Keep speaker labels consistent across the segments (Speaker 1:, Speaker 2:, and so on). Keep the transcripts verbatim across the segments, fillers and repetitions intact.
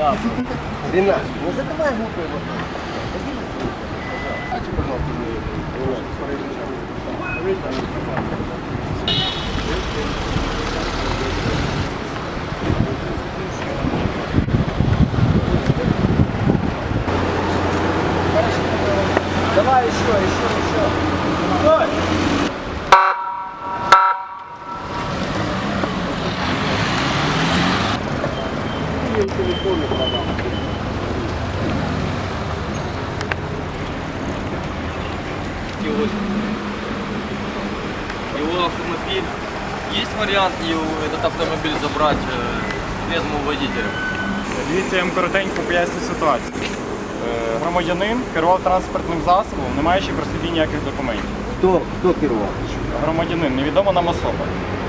Speaker 1: Ренат, не задавай глупые вопросы.
Speaker 2: Давай еще, еще, еще. Стой!
Speaker 3: Его автомобиль. Есть вариант его, этот автомобиль забрать э, трезвому водителю?
Speaker 4: Дивіться, я вам коротенько поясню ситуацію. Е, Громадянин керував транспортним засобом, не маючи при собі ніяких документів.
Speaker 1: Кто, кто керував?
Speaker 4: Громадянин, невідома нам особа.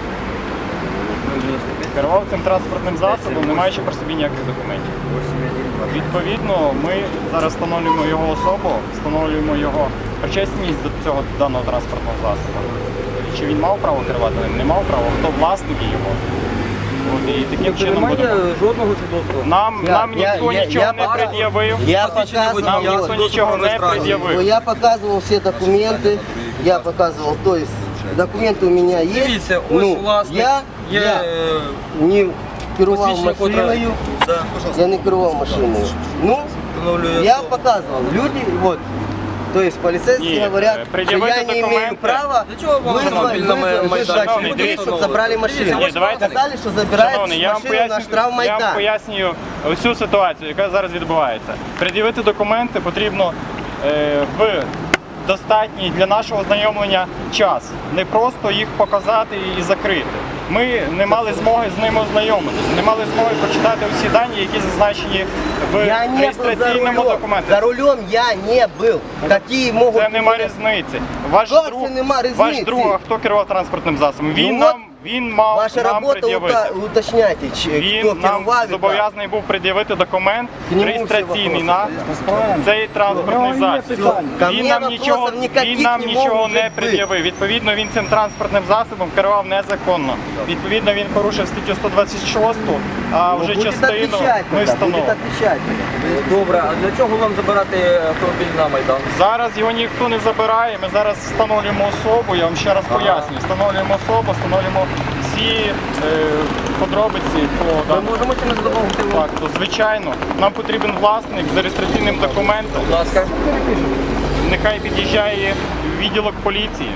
Speaker 4: Керував цим транспортним засобом, не маючи при собі ніяких документів. Відповідно, ми зараз встановлюємо його особу, встановлюємо його причесність до цього даного транспортного засобу. Чи він мав право керувати ним, не мав права, хто власники його. От, і таким чином
Speaker 2: Немає
Speaker 4: будемо.
Speaker 2: жодного свідоцтва.
Speaker 4: Нам,
Speaker 1: Я-
Speaker 4: нам
Speaker 1: я-
Speaker 4: ніхто
Speaker 1: я-
Speaker 4: нічого
Speaker 1: я
Speaker 4: не
Speaker 1: пока-
Speaker 4: пред'явив.
Speaker 1: Я
Speaker 3: Посвідчення
Speaker 1: показывал,
Speaker 4: Нам
Speaker 3: водія,
Speaker 4: ніхто
Speaker 1: вот,
Speaker 4: нічого не
Speaker 3: реєстрації.
Speaker 4: пред'явив.
Speaker 1: я показывал все документы, я показывал, то есть документы у меня есть.
Speaker 3: Дивіться, ось
Speaker 1: Ну,
Speaker 3: власник
Speaker 1: я,
Speaker 3: є
Speaker 1: я
Speaker 3: е,
Speaker 1: не керував
Speaker 3: посвідчення котра-
Speaker 1: машиною,
Speaker 3: Да.
Speaker 1: я не керував машиною. Ну,
Speaker 3: Встановлює
Speaker 1: я
Speaker 3: особу.
Speaker 1: показывал, люди, вот, то есть полицейские
Speaker 4: Нет,
Speaker 1: говорят,
Speaker 4: э,
Speaker 1: что
Speaker 4: предъявите
Speaker 1: я не имею
Speaker 4: документы.
Speaker 1: права
Speaker 3: Для чого вам
Speaker 1: вызвать,
Speaker 3: автомобіль на
Speaker 1: вызвать,
Speaker 3: майданчику?
Speaker 1: вызвать людей, чтобы забрали машину.
Speaker 4: Ні, давайте-
Speaker 1: Сказали, что забирают
Speaker 4: Шановний, я вам
Speaker 1: машину на
Speaker 4: поясню, я вам
Speaker 1: штрафмайдан.
Speaker 4: пояснюю всю ситуацію, яка зараз відбувається. Пред'явити документи потрібно е, в достатній для нашого ознайомлення час. Не просто їх показати і закрити. Ми не мали змоги з ними ознайомитися, не мали змоги прочитати всі дані, які зазначені в
Speaker 1: Я не был за
Speaker 4: реєстраційному
Speaker 1: рулем.
Speaker 4: документі.
Speaker 1: За рулем я не был. Какие могут...
Speaker 4: Це нема різниці. Ваш
Speaker 1: Як
Speaker 4: друг,
Speaker 1: це нема різниці?
Speaker 4: ваш друг, а хто керував транспортним засобом? Він
Speaker 1: Ну
Speaker 4: нам, він мав
Speaker 1: Ваша
Speaker 4: нам
Speaker 1: работа
Speaker 4: пред'явити.
Speaker 1: ута- уточняйте, ч-
Speaker 4: Він
Speaker 1: кто
Speaker 4: нам
Speaker 1: керував і
Speaker 4: зобов'язаний був пред'явити документ
Speaker 1: К нему
Speaker 4: реєстраційний
Speaker 1: всі
Speaker 4: на цей транспортний засіб.
Speaker 1: Ко
Speaker 4: Він
Speaker 1: мне
Speaker 4: нам
Speaker 1: вопросов
Speaker 4: нічого,
Speaker 1: никаких
Speaker 4: він нам
Speaker 1: не
Speaker 4: нічого
Speaker 1: может
Speaker 4: не
Speaker 1: быть.
Speaker 4: пред'явив. Відповідно, він цим транспортним засобом керував незаконно. Відповідно, він порушив статтю сто двадцять шість, а
Speaker 1: Ну,
Speaker 4: вже
Speaker 1: будет
Speaker 4: частину
Speaker 1: отвечать
Speaker 4: ми
Speaker 1: тогда, будет
Speaker 4: встановимо.
Speaker 1: отвечать.
Speaker 2: Добре, а для чого вам забирати автомобіль на Майдан?
Speaker 4: Зараз його ніхто не забирає. Ми зараз встановлюємо особу. Я вам ще раз пояснюю. Встановлюємо особу, встановлюємо всі е, подробиці по
Speaker 2: Ми
Speaker 4: даному
Speaker 2: можемо чи не задоволити вам?
Speaker 4: факту. Звичайно, нам потрібен власник з реєстраційним документом.
Speaker 2: Будь ласка.
Speaker 4: Нехай під'їжджає відділок поліції.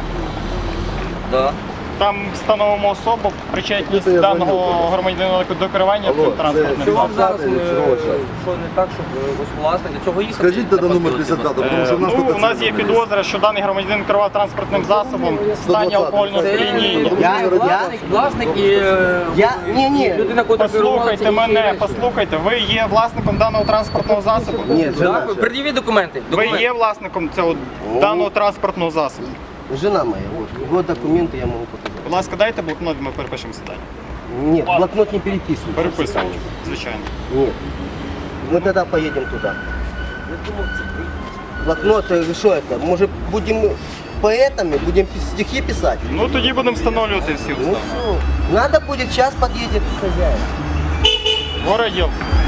Speaker 2: Да.
Speaker 4: Там встановимо особу, причетність даного громадянина до керування цим транспортним
Speaker 2: Що вам
Speaker 4: засобом.
Speaker 2: зараз, е, що не так, щоб е, ось власник, для цього їхати?
Speaker 5: Скажіть тоді номер п'ятдесят п'ять, тому що в нас
Speaker 4: Ну,
Speaker 5: тільки
Speaker 4: у нас
Speaker 5: це
Speaker 4: є
Speaker 5: номер
Speaker 4: підозра, що даний громадянин керував транспортним засобом в стані алкогольного
Speaker 2: Це
Speaker 4: сп'яніння.
Speaker 1: Я-
Speaker 2: власник, власник і е,
Speaker 1: Я- ні, ні.
Speaker 2: людина, котра керувала
Speaker 4: Послухайте
Speaker 2: цією
Speaker 4: мене,
Speaker 2: речі.
Speaker 4: послухайте, ви є власником даного транспортного засобу?
Speaker 1: Нет, жена,
Speaker 2: Так, пред'явіть документи.
Speaker 4: Ви
Speaker 2: Документи.
Speaker 4: є власником цього даного транспортного засобу?
Speaker 1: жена моя, вот, вот документы я могу показать.
Speaker 4: Будь ласка, дайте блокнот, ми перепишемо сідання.
Speaker 1: Нет, блокнот не переписывай.
Speaker 4: Переписуємо, звичайно.
Speaker 1: Нет. Мы тогда поедем туда. Блокнот, э, что это? Может, будем поэтами, будем пи- стихи писать?
Speaker 4: Ну тоді будемо встановлювати всі
Speaker 1: Ну
Speaker 4: обставини.
Speaker 1: все. Надо будет, час подъедет хозяин.
Speaker 4: Городів.